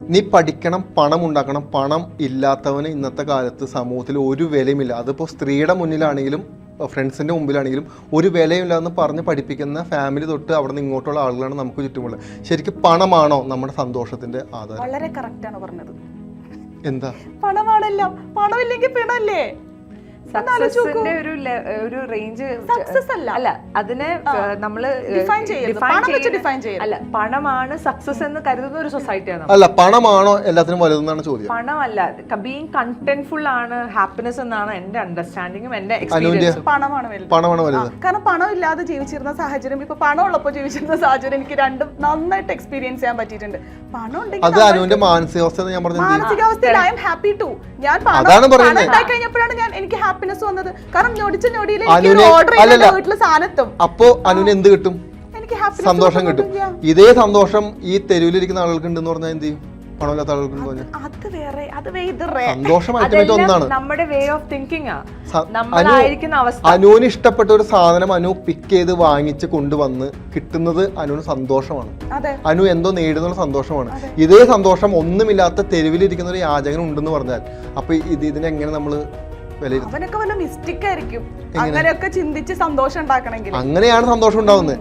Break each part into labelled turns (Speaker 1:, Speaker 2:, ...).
Speaker 1: നീ പഠിക്കണം, പണം ഉണ്ടാക്കണം. പണം ഇല്ലാത്തവന് ഇന്നത്തെ കാലത്ത് സമൂഹത്തിൽ ഒരു വിലയുമില്ല. അതിപ്പോൾ സ്ത്രീയുടെ മുന്നിലാണെങ്കിലും ഫ്രണ്ട്സിൻ്റെ മുമ്പിലാണെങ്കിലും ഒരു വിലയില്ല എന്ന് പറഞ്ഞ് പഠിപ്പിക്കുന്ന ഫാമിലി തൊട്ട് അവിടെ നിന്ന് ഇങ്ങോട്ടുള്ള ആളുകളാണ് നമുക്ക് ചുറ്റുമുള്ളത്. ശരിക്കും പണമാണോ നമ്മുടെ സന്തോഷത്തിന്റെ ആധാരം?
Speaker 2: വളരെ കറക്റ്റ് ആണ് പറഞ്ഞത്.
Speaker 1: എന്താ
Speaker 2: പണമാണല്ലോ, പണമില്ലെങ്കിൽ പിണല്ലേ?
Speaker 3: സക്സസിന്റെ ഒരു റേഞ്ച് അല്ല, അതിനെ നമ്മള് അല്ല, പണമാണ് സക്സസ് എന്ന് കരുതുന്ന ഒരു സൊസൈറ്റിയാണ്.
Speaker 1: അല്ല, പണമാണോ എല്ലാത്തിനും വലുതെന്നാണ് ചോദ്യം.
Speaker 3: പണമല്ല, ബീയിങ് കണ്ടന്റ്ഫുൾ ആണ് ഹാപ്പിനെസ് എന്നാണ് എന്റെ അണ്ടർസ്റ്റാൻഡിങ്ങും എന്റെ എക്സ്പീരിയൻസും.
Speaker 1: പണമാണ് വലുത്.
Speaker 2: കാരണം പണം ഇല്ലാതെ ജീവിച്ചിരുന്ന സാഹചര്യം, ഇപ്പൊ പണം ഉള്ളപ്പോൾ ജീവിച്ചിരുന്ന സാഹചര്യം എനിക്ക് രണ്ടും നന്നായിട്ട് എക്സ്പീരിയൻസ് ചെയ്യാൻ പറ്റിയിട്ടുണ്ട്. പണം
Speaker 1: അത് അനുവിന്റെ മാനസികാവസ്ഥ ഞാൻ പറഞ്ഞു.
Speaker 2: മാനസികാവസ്ഥയിൽ ഐ എം ഹാപ്പി ടു. ഞാൻ പണം കഴിഞ്ഞപ്പോഴാണ് ഞാൻ എനിക്ക് ഹാപ്പിനെസ് വന്നത്. കാരണം ഞൊടിയിൽ ഓർഡർ ചെയ്ത വീട്ടില് സാധനത്തും
Speaker 1: അപ്പോ അനുവിന് എന്ത് കിട്ടും? സന്തോഷം കിട്ടും. ഇതേ സന്തോഷം ഈ തെരുവിലിരിക്കുന്ന ആളുകൾക്ക് ഉണ്ടെന്ന് പറഞ്ഞാൽ എന്ത് ചെയ്യും? പണമില്ലാത്ത ആളുകൾക്ക് സന്തോഷമായിട്ട് ഒന്നാണ്
Speaker 3: നമ്മുടെ വേ ഓഫ് തിങ്കിങ്.
Speaker 1: അനുവിന് ഇഷ്ടപ്പെട്ട ഒരു സാധനം അനു പിക്ക് ചെയ്ത് വാങ്ങിച്ച് കൊണ്ടുവന്ന് കിട്ടുന്നത് അനുവിന് സന്തോഷമാണ്. അനു എന്തോ നേടുന്ന സന്തോഷമാണ്. ഇതേ സന്തോഷം ഒന്നുമില്ലാത്ത തെരുവിലിരിക്കുന്ന ഒരു യാചകൻ ഉണ്ടെന്ന് പറഞ്ഞാൽ അപ്പൊ ഇതിനെങ്ങനെ നമ്മള്
Speaker 2: അവനൊക്കെ വല്ല മിസ്റ്റേക്ക് ആയിരിക്കും. അങ്ങനെയൊക്കെ ചിന്തിച്ച് സന്തോഷം ഉണ്ടാക്കണമെങ്കിൽ
Speaker 1: അങ്ങനെയാണ് സന്തോഷം ഉണ്ടാവുന്നത്.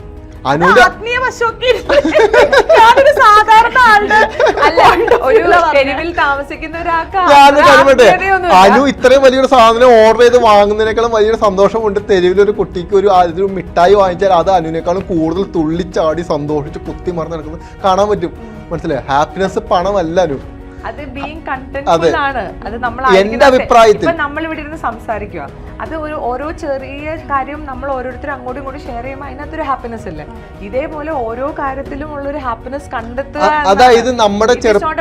Speaker 2: സാധാരണ
Speaker 3: തെരുവിൽ താമസിക്കുന്ന ഒരാൾക്ക്
Speaker 1: അനു ഇത്രയും വലിയൊരു സാധനം ഓർഡർ ചെയ്ത് വാങ്ങുന്നതിനേക്കാളും വലിയൊരു സന്തോഷമുണ്ട് തെരുവിലൊരു കുട്ടിക്ക് ഒരു മിഠായി വാങ്ങിച്ചാൽ അത് അനുവിനേക്കാളും കൂടുതൽ തുള്ളിച്ചാടി സന്തോഷിച്ച് കുത്തി മറന്ന് നടക്കുന്നത് കാണാൻ പറ്റും. മനസ്സിലായോ? ഹാപ്പിനെസ് പണമല്ല അനു.
Speaker 3: അത് ബീയിങ് കണ്ടന്റ്ഫുൾ ആണ്. അത് നമ്മൾ
Speaker 1: എന്റെ അഭിപ്രായത്തിൽ
Speaker 3: നമ്മൾ ഇവിടെ ഇരുന്ന് സംസാരിക്കുക, അത് ഓരോ ചെറിയ കാര്യം നമ്മൾ ഓരോരുത്തരും അങ്ങോട്ടും ഇങ്ങോട്ടും ഷെയർ ചെയ്യുമ്പോൾ അതിനകത്തൊരു ഹാപ്പിനെസ് ഇല്ലേ? ഇതേപോലെ ഓരോ കാര്യത്തിലും ഉള്ളൊരു ഹാപ്പിനെസ് കണ്ടെത്തുക.
Speaker 1: അതായത് നമ്മുടെ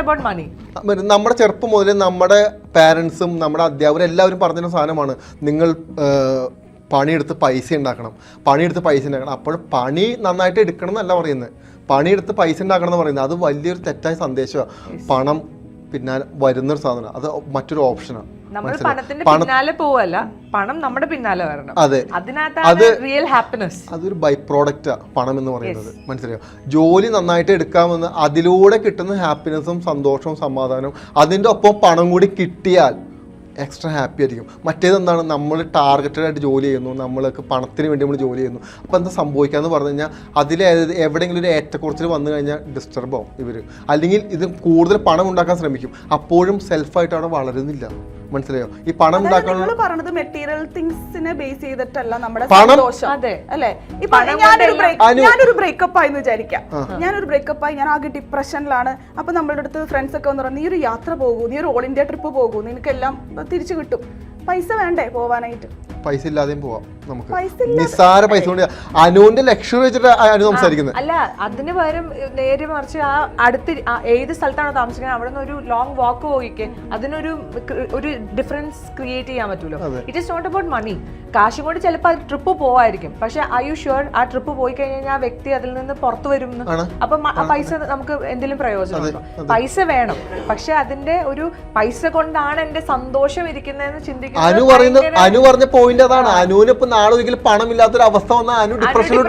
Speaker 1: ചെറുപ്പം മുതലേ നമ്മുടെ പാരന്റ്സും നമ്മുടെ അധ്യാപകരും എല്ലാവരും പറഞ്ഞ സാധനമാണ്, നിങ്ങൾ പണിയെടുത്ത് പൈസ ഉണ്ടാക്കണം. അപ്പോൾ പണി നന്നായിട്ട് എടുക്കണം എന്നല്ല പറയുന്നത്, പണിയെടുത്ത് പൈസ ഉണ്ടാക്കണം എന്ന് പറയുന്നത്. അത് വലിയൊരു തെറ്റായ സന്ദേശമാണ്. പണം പിന്നാലെ വരുന്നൊരു സാധനം, അത് മറ്റൊരു ഓപ്ഷനാണ്.
Speaker 3: നമ്മൾ പണത്തിന്റെ പിന്നാലെ പോവല്ല, പണം നമ്മുടെ പിന്നാലെ വരണം.
Speaker 1: അതെ,
Speaker 3: അതിനകത്താണ് റിയൽ ഹാപ്പിനെസ്.
Speaker 1: അതൊരു ബൈ പ്രോഡക്റ്റാ പണം എന്ന് പറയുന്നത്. മനസ്സിലായോ? ജോലി നന്നായിട്ട് എടുക്കാമെന്ന് അതിലൂടെ കിട്ടുന്ന ഹാപ്പിനെസ്സും സന്തോഷവും സമാധാനവും അതിൻ്റെ ഒപ്പം പണം കൂടി കിട്ടിയാൽ എക്സ്ട്രാ ഹാപ്പി ആയിരിക്കും. മറ്റേതെന്താണ്, നമ്മൾ ടാർഗറ്റഡ് ആയിട്ട് ജോലി ചെയ്യുന്നു, നമ്മൾക്ക് പണത്തിന് വേണ്ടി നമ്മൾ ജോലി ചെയ്യുന്നു. അപ്പോൾ എന്താ സംഭവിക്കാന്ന് പറഞ്ഞു കഴിഞ്ഞാൽ അതിൽ എവിടെയെങ്കിലും ഒരു ഏറ്റക്കുറച്ചിൽ വന്നു കഴിഞ്ഞാൽ ഡിസ്റ്റർബ് ആവും ഇവർ. അല്ലെങ്കിൽ ഇത് കൂടുതൽ പണം ഉണ്ടാക്കാൻ ശ്രമിക്കും, അപ്പോഴും സെൽഫായിട്ട് അവിടെ വളരുന്നില്ല. മനസ്സിലായോ? ഈ പണം ഉണ്ടാക്കാനുള്ള
Speaker 2: മെറ്റീരിയൽ തിങ്സിനെ ബേസ് ചെയ്തിട്ടല്ല നമ്മുടെ സന്തോഷം. അല്ലേ? ഇപ്പൊ ഞാനൊരു ബ്രേക്കപ്പ് ആയെന്ന് വിചാരിക്കാം. ഞാനൊരു ബ്രേക്കപ്പ് ആയി, ഞാൻ ആകെ ഡിപ്രഷനിലാണ്. അപ്പൊ നമ്മളുടെ അടുത്ത് ഫ്രണ്ട്സ് ഒക്കെ വന്ന് പറഞ്ഞു, നീ ഒരു യാത്ര പോകൂ, നീ ഒരു ഓൾ ഇന്ത്യ ട്രിപ്പ് പോകൂ, നിനക്കെല്ലാം തിരിച്ചു കിട്ടും. പൈസ വേണ്ടേ പോവാനായിട്ട്?
Speaker 1: പൈസ ഇല്ലാതെയും പോവാം നമുക്ക്. നിസ്സാര പൈസ കൊണ്ട് അനുവിന്റെ ലക്ഷ്യം വെച്ചിട്ട് അനു സംസാരിക്കുന്നത്
Speaker 3: അല്ല, അതിന് പകരം നേരെ മറിച്ച് ആ അടുത്ത് ഏത് സ്ഥലത്താണോ താമസിക്കുന്നത് അവിടെ നിന്ന് ഒരു ലോങ് വാക്ക് പോയിക്കെ അതിനൊരു ഡിഫറൻസ് ക്രിയേറ്റ് ചെയ്യാൻ പറ്റുമല്ലോ. It is not about money. കാശും കൊണ്ട് ചിലപ്പോൾ അത് ട്രിപ്പ് പോവായിരിക്കും, പക്ഷെ ഐ യു ഷുവർ ആ ട്രിപ്പ് പോയി കഴിഞ്ഞാൽ ആ വ്യക്തി അതിൽ നിന്ന് പുറത്തു വരും. അപ്പം ആ പൈസ നമുക്ക് എന്തെങ്കിലും പ്രയോജനമുണ്ടോ? പൈസ വേണം, പക്ഷെ അതിന്റെ ഒരു പൈസ കൊണ്ടാണ് എന്റെ സന്തോഷം ഇരിക്കുന്നതെന്ന് ചിന്തിക്കുന്നത്.
Speaker 1: അനു പറഞ്ഞ പോയിന്റ് അതാണ്. അനുവിന് ഇപ്പൊ നാളെ ഒരിക്കലും പണമില്ലാത്തൊരു അവസ്ഥ വന്നാൽ അനു ഡിപ്രഷനിലോട്ട്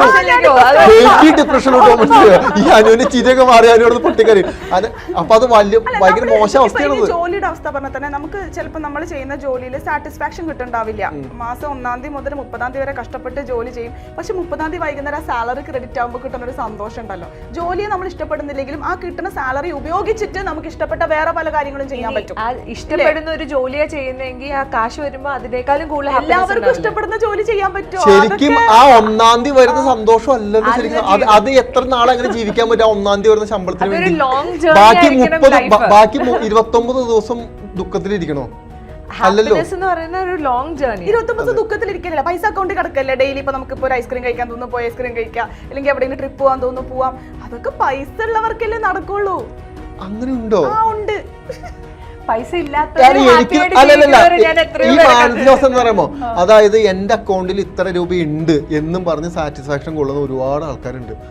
Speaker 1: ഈ അനുവിന് ചിരിയൊക്കെ മാറി അനുവോട് പൊട്ടിക്കറി. അപ്പൊ അത് ഭയങ്കര മോശം അവസ്ഥയാണ്.
Speaker 2: ജോലിയുടെ അവസ്ഥ പറഞ്ഞാൽ തന്നെ നമുക്ക് ചിലപ്പോൾ നമ്മൾ ചെയ്യുന്ന ജോലിയിൽ സാറ്റിസ്ഫാക്ഷൻ കിട്ടുന്നുണ്ടാവില്ല. മാസം 1-ാം തീയതി മുതൽ 30-ാം തീയതി വരെ കഷ്ടപ്പെട്ട് ജോലി ചെയ്യും, പക്ഷെ 30-ാം തീയതി വൈകുന്നേരം സാലറി ക്രെഡിറ്റ് ആകുമ്പോൾ കിട്ടുന്ന ഒരു സന്തോഷം ഉണ്ടല്ലോ. ജോലിയെ നമ്മൾ ഇഷ്ടപ്പെടുന്നില്ലെങ്കിലും ആ കിട്ടുന്ന സാലറി ഉപയോഗിച്ചിട്ട് നമുക്ക് ഇഷ്ടപ്പെട്ട വേറെ പല കാര്യങ്ങളും ചെയ്യാൻ പറ്റും.
Speaker 3: ഇഷ്ടപ്പെടുന്ന ഒരു ജോലിയാ ചെയ്യുന്നതെങ്കിൽ ആ കാശ് വരുമ്പോൾ അതിനേക്കാളും കൂടുതൽ
Speaker 2: എല്ലാവർക്കും ഇഷ്ടപ്പെടുന്ന ജോലി ചെയ്യാൻ പറ്റും.
Speaker 1: ശരിക്കും ആ 1-ാം തീയതി വരുന്ന സന്തോഷം അല്ലെന്ന് ശരിക്കും അത് എത്ര നാളെ അങ്ങനെ ജീവിക്കാൻ പറ്റും? 1-ാം തീയതി വരുന്ന ശമ്പളത്തിന് വേണ്ടി ബാക്കി 29 ദിവസം ദുഃഖത്തിലിരിക്കണോ? അല്ലല്ലോ.
Speaker 2: 29 ദുഃഖത്തിലിരിക്കില്ല, പൈസ അക്കൗണ്ടിൽ കിടക്കല്ലേ. ഡെയിലി ഇപ്പൊ നമുക്ക് ഇപ്പൊ ഒരു ഐസ്ക്രീം കഴിക്കാൻ തോന്നുന്നു, പോയി ഐസ്ക്രീം കഴിക്കാം, അല്ലെങ്കിൽ എവിടെയെങ്കിലും ട്രിപ്പ് പോകാൻ തോന്നുന്നു, പോവാം. അതൊക്കെ പൈസ ഉള്ളവർക്കല്ലേ നടക്കുള്ളൂ.
Speaker 1: അങ്ങനെ ഉണ്ടോ?
Speaker 2: ഉണ്ട്.
Speaker 3: പൈസ ഇല്ലാത്ത
Speaker 1: ഈ മാനസികാവസ്ഥ എന്ന് പറയുമ്പോ അതായത് എന്റെ അക്കൗണ്ടിൽ ഇത്ര രൂപ ഉണ്ട് എന്നും പറഞ്ഞ് സാറ്റിസ്ഫാക്ഷൻ കൊള്ളുന്ന ഒരുപാട് ആൾക്കാരുണ്ട്.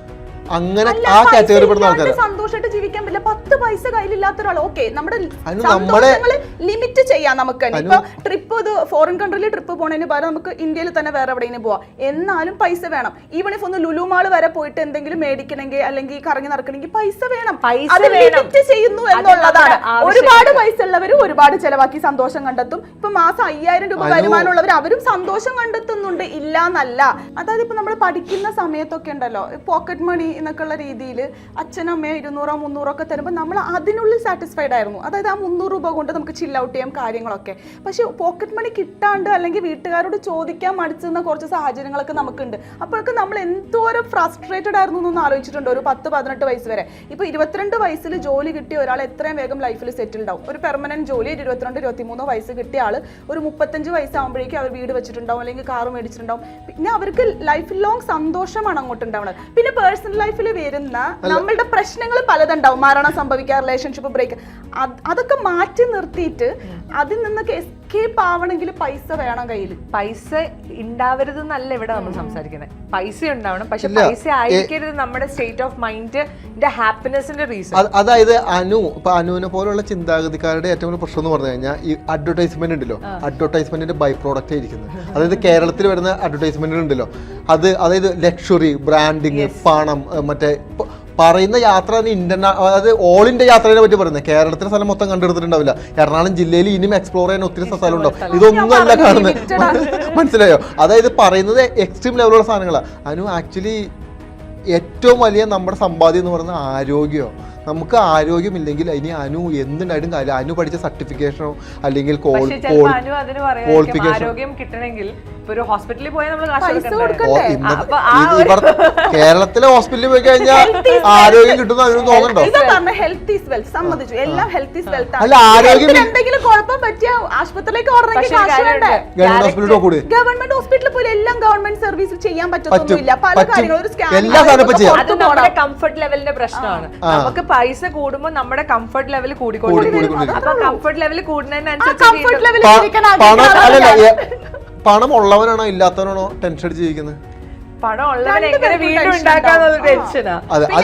Speaker 1: അങ്ങനെ ആ കാറ്റഗറി പെടുന്ന ആൾക്കാർ
Speaker 2: സന്തോഷമായിട്ട് ജീവിക്കാൻ പറ്റില്ല. 10 പൈസ കയ്യിലില്ലാത്ത ഒരാൾ ഓക്കെ നമ്മുടെ സന്തോഷങ്ങള് ലിമിറ്റ് ചെയ്യാം. നമുക്ക് ഇപ്പൊ ട്രിപ്പ് ഫോറിൻ കൺട്രിയിൽ ട്രിപ്പ് പോണതിന് പകരം നമുക്ക് ഇന്ത്യയിൽ തന്നെ വേറെ എവിടെയെങ്കിലും പോവാം. എന്നാലും പൈസ വേണം. ഈവൺ ഇഫ് ഒന്ന് ലുലു മാൾ വരെ പോയിട്ട് എന്തെങ്കിലും മേടിക്കണമെങ്കിൽ അല്ലെങ്കിൽ കറങ്ങി നടക്കണമെങ്കിൽ പൈസ വേണം. അത് ലിമിറ്റ് ചെയ്യുന്നു എന്നുള്ളതാണ്. ഒരുപാട് പൈസ ഉള്ളവർ ഒരുപാട് ചെലവാക്കി സന്തോഷം കണ്ടെത്തും. ഇപ്പൊ മാസം 5000 രൂപ വരുമാനമുള്ളവർ അവരും സന്തോഷം കണ്ടെത്തുന്നുണ്ട്, ഇല്ല എന്നല്ല. അതായത് ഇപ്പൊ നമ്മൾ പഠിക്കുന്ന സമയത്തൊക്കെ ഉണ്ടല്ലോ പോക്കറ്റ് മണി എന്നൊക്കെയുള്ള രീതിയിൽ അച്ഛനും അമ്മയോ 200 300 ഒക്കെ തരുമ്പോൾ നമ്മൾ അതിനുള്ളിൽ സാറ്റിസ്ഫൈഡ് ആയിരുന്നു. അതായത് ആ 300 രൂപ കൊണ്ട് നമുക്ക് ചിൽ ഔട്ട് ചെയ്യാം കാര്യങ്ങളൊക്കെ. പക്ഷെ പോക്കറ്റ് മണി കിട്ടാണ്ട് അല്ലെങ്കിൽ വീട്ടുകാരോട് ചോദിക്കാൻ മടിച്ചുന്ന കുറച്ച് സാഹചര്യങ്ങളൊക്കെ നമുക്കുണ്ട്. അപ്പോഴൊക്കെ നമ്മൾ എന്തോരം ഫ്രസ്ട്രേറ്റഡ് ആയിരുന്നു എന്നൊന്ന് ആലോചിച്ചിട്ടുണ്ട്. ഒരു 10-18 വയസ്സ് വരെ. ഇപ്പൊ 22 വയസ്സിൽ ജോലി കിട്ടിയ ഒരാൾ എത്രയും വേഗം ലൈഫിൽ സെറ്റിൽഡ് ആവും. ഒരു പെർമനന്റ് ജോലി 22-23 വയസ്സ് കിട്ടിയ ആൾ ഒരു 35 വയസ്സാകുമ്പോഴേക്കും അവർ വീട് വെച്ചിട്ടുണ്ടാവും അല്ലെങ്കിൽ കാറ് മേടിച്ചിട്ടുണ്ടാവും. പിന്നെ അവർക്ക് ലൈഫ് ലോങ് സന്തോഷമാണ് അങ്ങോട്ട് ഉണ്ടാവുന്നത്. പിന്നെ പേഴ്സണൽ ലൈഫിൽ വരുന്ന നമ്മളുടെ പ്രശ്നങ്ങൾ പലതുണ്ടാവും. മരണം സംഭവിക്കുക, റിലേഷൻഷിപ്പ് ബ്രേക്ക്, അതൊക്കെ മാറ്റി നിർത്തിയിട്ട് അതിൽ നിന്നൊക്കെ എസ്കേപ്പ് ആവണമെങ്കിൽ പൈസ വേണം കയ്യിൽ.
Speaker 3: പൈസ ഉണ്ടാവരുത് എന്നല്ല ഇവിടെ നമ്മൾ സംസാരിക്കുന്നത്. പൈസ ഉണ്ടാവണം, പക്ഷെ പൈസ ആയിരിക്കരുത് നമ്മുടെ സ്റ്റേറ്റ് ഓഫ് മൈൻഡിന്റെ ഹാപ്പിനെസിന്റെ റീസൺ.
Speaker 1: അതായത് അനുവിനെ പോലുള്ള ചിന്താഗതിക്കാരുടെ ഏറ്റവും വലിയ പ്രശ്നം എന്ന് പറഞ്ഞു കഴിഞ്ഞാൽ ഈ അഡ്വർടൈസ്മെന്റ് ഉണ്ടല്ലോ, അഡ്വർടൈസ്മെന്റിന്റെ ബൈ പ്രോഡക്റ്റ് ആയിരിക്കുന്നത്. അതായത് കേരളത്തിൽ വരുന്ന അഡ്വർടൈസ്മെന്റ് ഉണ്ടല്ലോ, അതായത് ലക്ഷറി, ബ്രാൻഡിങ്, പണം, മറ്റേ പറയുന്ന യാത്ര അതായത് ഓൾ ഇന്ത്യ യാത്രയെ പറ്റി പറയുന്നത്. കേരളത്തിലെ സ്ഥലം മൊത്തം കണ്ടെടുത്തിട്ടുണ്ടാവില്ല. എറണാകുളം ജില്ലയിൽ ഇനിയും എക്സ്പ്ലോർ ചെയ്യാൻ ഒത്തിരി സ്ഥലം ഉണ്ടാവും. ഇതൊന്നും അല്ല കാണുന്നത്, മനസ്സിലായോ? അതായത് പറയുന്നത് എക്സ്ട്രീം ലെവലുള്ള സാധനങ്ങളാണ്. ആക്ച്വലി ഏറ്റവും വലിയ നമ്മുടെ സമ്പാദ്യം എന്ന് പറയുന്നത് ആരോഗ്യമോ. നമുക്ക് ആരോഗ്യമില്ലെങ്കിൽ ഇനി എന്തുണ്ടായിട്ടും കാര്യം. പഠിച്ച സർട്ടിഫിക്കേഷനോ അല്ലെങ്കിൽ
Speaker 3: ആരോഗ്യം കിട്ടണമെങ്കിൽ ഒരു ഹോസ്പിറ്റലിൽ പോയാൽ നമ്മൾ
Speaker 1: കേരളത്തിലെ ഹോസ്പിറ്റലിൽ പോയി കഴിഞ്ഞാൽ ആരോഗ്യം കിട്ടുന്ന അതിന് തോന്നുന്നുണ്ടോ? അല്ല, ആരോഗ്യം
Speaker 2: എന്തെങ്കിലും കുഴപ്പം പറ്റിയ ആശുപത്രിയിലേക്ക് ഗവൺമെന്റ് ഹോസ്പിറ്റലിൽ പോയി എല്ലാം ഗവൺമെന്റ് സർവീസ് ചെയ്യാൻ പറ്റത്തൊന്നുമില്ല. പല കാര്യങ്ങളും
Speaker 3: കംഫർട്ട് ലെവലിന്റെ പ്രശ്നമാണ്. നമുക്ക് പൈസ കൂടുമ്പോൾ നമ്മുടെ കംഫർട്ട് ലെവൽ കൂടിക്കൊണ്ടിരിക്കും. അപ്പൊ കംഫർട്ട് ലെവൽ കൂടുന്നതിനനുസരിച്ച്
Speaker 1: പണം ഉള്ളവനാണോ ഇല്ലാത്തവനാണോ ടെൻഷൻ അടിച്ച് ജീവിക്കുന്നത്?
Speaker 3: പണം ഉള്ളവൻ എങ്ങനെ വീണ്ടും ഉണ്ടാക്കാന്നുള്ള ടെൻഷനാ.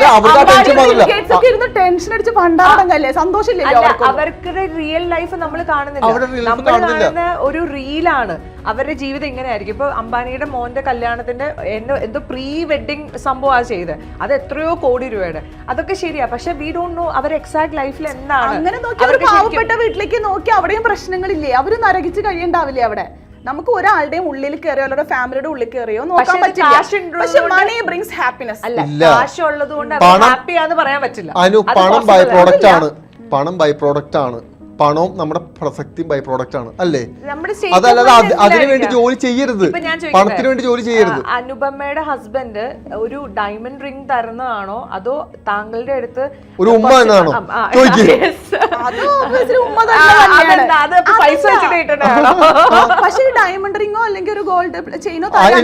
Speaker 3: അവർക്ക് റിയൽ ലൈഫ് നമ്മൾ കാണുന്നില്ല. നമ്മൾ കാണുന്ന ഒരു റീലാണ് അവരുടെ ജീവിതം ഇങ്ങനെയായിരിക്കും. ഇപ്പൊ അംബാനിയുടെ മോന്റെ കല്യാണത്തിന്റെ എന്തോ പ്രീ വെഡിങ് സംഭവമാണ് ചെയ്തത്. അത് എത്രയോ കോടി രൂപയുടെ. അതൊക്കെ ശരിയാ, പക്ഷെ we don't know our exact ലൈഫിൽ എന്താണ്.
Speaker 2: അങ്ങനെ പാവപ്പെട്ട വീട്ടിലേക്ക് നോക്കി അവിടെയും പ്രശ്നങ്ങളില്ലേ? അവര് നരകിച്ച് കഴിയണ്ടാവില്ലേ അവിടെ? നമുക്ക് ഒരാളുടെയും ഉള്ളിൽ കയറിയോ അവരുടെ ഫാമിലിയുടെ ഉള്ളിൽ കയറിയോ നോക്കാൻ പറ്റില്ല. പക്ഷെ മണി ബ്രിങ്സ് ഹാപ്പിനെസ്.
Speaker 3: അല്ല, കാശ് ഉള്ളത് കൊണ്ട് ഹാപ്പിയാന്ന് പറയാൻ പറ്റില്ല.
Speaker 1: പണം ബൈ പ്രോഡക്റ്റ് ആണ്. പണം ബൈ പ്രോഡക്റ്റ് ആണ്. പണവും നമ്മുടെ പ്രസക്തിയും ബൈ പ്രോഡക്റ്റ് ആണ്, അല്ലേ? അതല്ലാതെ അതിനു വേണ്ടി ജോലി ചെയ്യരുത്, പണത്തിന് വേണ്ടി ജോലി ചെയ്യരുത്.
Speaker 3: അനുപമയുടെ ഹസ്ബൻഡ് ഒരു ഡയമണ്ട് റിംഗ് തരുന്നതാണോ അതോ താങ്കളുടെ അടുത്ത്
Speaker 1: ഒരു ഉമ്മ എന്നാണോ?
Speaker 2: പക്ഷേ ഡയമണ്ട് റിംഗോ അല്ലെങ്കിൽ ഒരു ഗോൾഡ് ചെയിനോ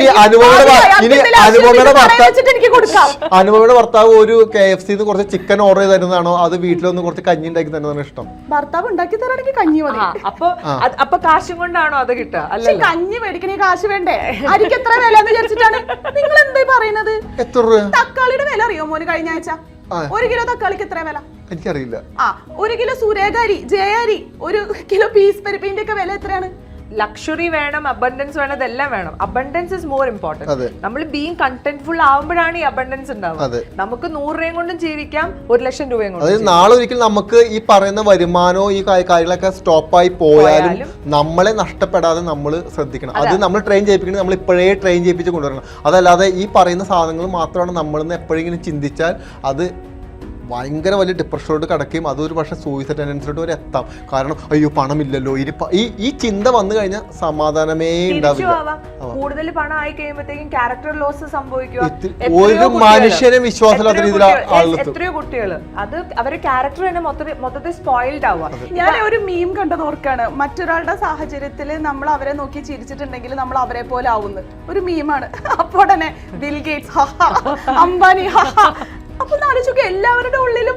Speaker 1: അനുപമയുടെ ഭർത്താവ് ഒരു KFC കുറച്ച് ചിക്കൻ ഓർഡർ ചെയ്ത് തരുന്നതാണോ അത് വീട്ടിലൊന്ന് കുറച്ച് കഞ്ഞി ഉണ്ടാക്കി തരുന്നതാണ് ഇഷ്ടം?
Speaker 2: ഭർത്താവ് ഉണ്ടാക്കി തരാണെങ്കിൽ കഞ്ഞി മതി.
Speaker 3: അപ്പൊ കാശും കൊണ്ടാണോ അത് കിട്ടുക? അല്ല,
Speaker 2: കഞ്ഞി മേടിക്കണേ കാശ് വേണ്ടേ? അരിക്ക് എത്ര വില എന്ന് വിചാരിച്ചിട്ടാണ് നിങ്ങൾ എന്താ പറയുന്നത്? തക്കാളിയുടെ വില അറിയോ മോന്? കഴിഞ്ഞ ആഴ്ച 1 കിലോ തക്കാളിക്ക് എത്ര വില?
Speaker 1: എനിക്കറിയില്ല.
Speaker 2: 1 കിലോ സൂര്യാരി, ജയാരി, 1 കിലോ പീസ് പരിപ്പിന്റെ ഒക്കെ വില എത്രയാണ്?
Speaker 3: ലക്ഷറി വേണം, അബണ്ടൻസ് വേണം, ഇതെല്ലാം വേണം. Abundance is more important. നമ്മൾ ബീങ് കണ്ടന്റ്ഫുൾ ആവുമ്പോഴാണ് ഈ അബണ്ടൻസ് ഉണ്ടാവുക. നമുക്ക് 100 രൂപയും കൊണ്ടും ജീവിക്കാം, 1,00,000 രൂപയും കൊണ്ടും.
Speaker 1: അതായത് നാളെ ഒരിക്കൽ നമുക്ക് ഈ പറയുന്ന വരുമാനവും ഈ കാര്യങ്ങളൊക്കെ സ്റ്റോപ്പായി പോയാലും നമ്മളെ നഷ്ടപ്പെടാതെ നമ്മൾ ശ്രദ്ധിക്കണം. അത് നമ്മൾ ട്രെയിൻ ചെയ്യിപ്പിക്കണം. നമ്മൾ ഇപ്പോഴേ ട്രെയിൻ ചെയ്യിപ്പിച്ച് കൊണ്ടുവരണം. അതല്ലാതെ ഈ പറയുന്ന സാധനങ്ങൾ മാത്രമാണ് നമ്മളെന്ന് എപ്പോഴെങ്കിലും ചിന്തിച്ചാൽ അത് ഭയങ്കര വലിയ ഡിപ്രഷനോട് കിടക്കുകയും അതൊരു പക്ഷേ സൂയിസൈഡ് ടെൻഡൻസിലോട്ട് വരെ എത്താം. കാരണം അയ്യോ പണമില്ലല്ലോ, ഈ ചിന്ത വന്നു കഴിഞ്ഞാൽ സമാധാനമേ ഉണ്ടാവില്ല.
Speaker 3: കൂടുതൽ പണം ആയി കഴിയുമ്പോഴത്തേക്കും ക്യാരക്ടർ ലോസ് സംഭവിക്കുക.
Speaker 1: ഒരു മനുഷ്യനെ വിശ്വാസമില്ലാത്ത രീതിയിൽ
Speaker 3: എത്രയോ കുട്ടികൾ അത് അവരുടെ ക്യാരക്ടർ തന്നെ മൊത്തത്തിൽ സ്പോയിൽഡ് ആവുക.
Speaker 2: ഞാൻ ഒരു മീം കണ്ടത് ഓർക്കാണ്. മറ്റൊരാളുടെ സാഹചര്യത്തിൽ നമ്മൾ അവരെ നോക്കി ചിരിച്ചിട്ടുണ്ടെങ്കിൽ നമ്മൾ അവരെ പോലെ ആവുന്നു. ഒരു മീമാണ്. അപ്പോൾ തന്നെ ബിൽ ഗേറ്റ്സ്, അംബാനി. അപ്പൊ എല്ലാവരുടെ ഉള്ളിലും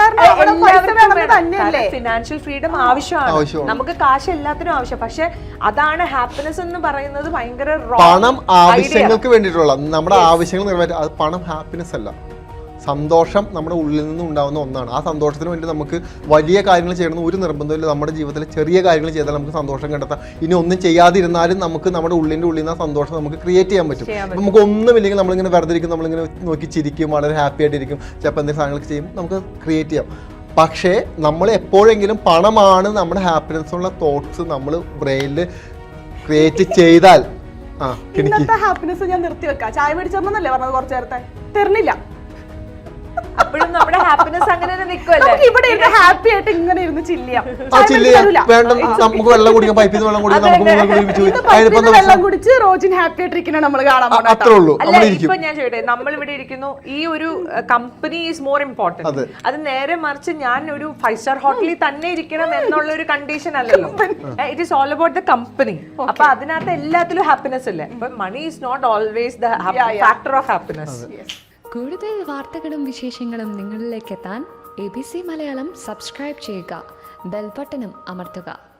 Speaker 3: ഫിനാൻഷ്യൽ ഫ്രീഡം ആവശ്യമാണ്. നമുക്ക് കാശ് എല്ലാത്തിനും ആവശ്യം. പക്ഷെ അതാണ് ഹാപ്പിനെസ് എന്ന് പറയുന്നത്. ഭയങ്കര
Speaker 1: പണം ആവശ്യങ്ങൾക്ക് വേണ്ടിയിട്ടുള്ള നമ്മുടെ ആവശ്യങ്ങൾ നിറവേറ്റാൻ. അത് പണം ഹാപ്പിനെസ് അല്ല. സന്തോഷം നമ്മുടെ ഉള്ളിൽ നിന്ന് ഉണ്ടാകുന്ന ഒന്നാണ്. ആ സന്തോഷത്തിന് വേണ്ടി നമുക്ക് വലിയ കാര്യങ്ങൾ ചെയ്യണമെന്ന് ഒരു നിർബന്ധമില്ല. നമ്മുടെ ജീവിതത്തിൽ ചെറിയ കാര്യങ്ങൾ ചെയ്താൽ നമുക്ക് സന്തോഷം കണ്ടെത്താം. ഇനി ഒന്നും ചെയ്യാതിരുന്നാലും നമുക്ക് നമ്മുടെ ഉള്ളിൻ്റെ ഉള്ളിൽ നിന്ന് ആ സന്തോഷം നമുക്ക് ക്രിയേറ്റ് ചെയ്യാൻ പറ്റും. നമുക്ക് ഒന്നുമില്ലെങ്കിൽ നമ്മളിങ്ങനെ വെറുതെ ഇരിക്കും, നമ്മളിങ്ങനെ നോക്കി ചിരിക്കും, വളരെ ഹാപ്പി ആയിട്ടിരിക്കും, ചിലപ്പോൾ എന്തെങ്കിലും സാധനങ്ങൾ ചെയ്യും, നമുക്ക് ക്രിയേറ്റ് ചെയ്യാം. പക്ഷേ നമ്മൾ എപ്പോഴെങ്കിലും പണമാണ് നമ്മുടെ ഹാപ്പിനെസ്സുള്ള തോട്ട്സ് നമ്മൾ ബ്രെയിനിൽ ക്രിയേറ്റ് ചെയ്താൽ
Speaker 2: ഇന്നത്തെ ഹാപ്പിനെസ് ഞാൻ നിർത്തി വെക്കാം. ചായ മേടിച്ചോന്നല്ലേ പറഞ്ഞത് കുറച്ചു നേരത്തെ? തരുന്നില്ല.
Speaker 3: അപ്പോഴും നമ്മുടെ ഹാപ്പിനെസ് അങ്ങനെ നിൽക്കുമല്ലേ?
Speaker 2: ഇവിടെ ഹാപ്പി ആയിട്ട് ഇങ്ങനെ ഇരുന്ന് ചില്ലിയാം.
Speaker 1: വേണ്ട, നമുക്ക് വെള്ളം കുടിക്കാം, പൈപ്പിൽ നിന്ന് വെള്ളം കുടിക്കാം, നമുക്ക്
Speaker 2: വെള്ളം കുടിച്ച് റോജിൻ ഹാപ്പി ആയിട്ടിരിക്കണ നമ്മൾ കാണാൻ.
Speaker 1: അത്രേ ഉള്ളൂ.
Speaker 3: അല്ല, ഇപ്പൊ ഞാൻ ചോദിട്ടെ, നമ്മൾ ഇവിടെ ഇരിക്കുന്നു, ഈ ഒരു കമ്പനി ഈസ് മോർ ഇമ്പോർട്ടന്റ്. അത് നേരെ മറിച്ച് ഞാൻ ഒരു 5-star ഹോട്ടലിൽ തന്നെ ഇരിക്കണം എന്നുള്ള ഒരു കണ്ടീഷൻ അല്ലല്ലോ. It is all about the company. അപ്പൊ അതിനകത്ത് എല്ലാത്തിലും ഹാപ്പിനെസ് അല്ലേ? അപ്പൊ money is not always the factor of happiness.
Speaker 4: കൂടുതൽ വാർത്തകളും വിശേഷങ്ങളും നിങ്ങളിലേക്ക് എത്താൻ ABC മലയാളം സബ്സ്ക്രൈബ് ചെയ്യുക, ബെൽ ബട്ടണും അമർത്തുക.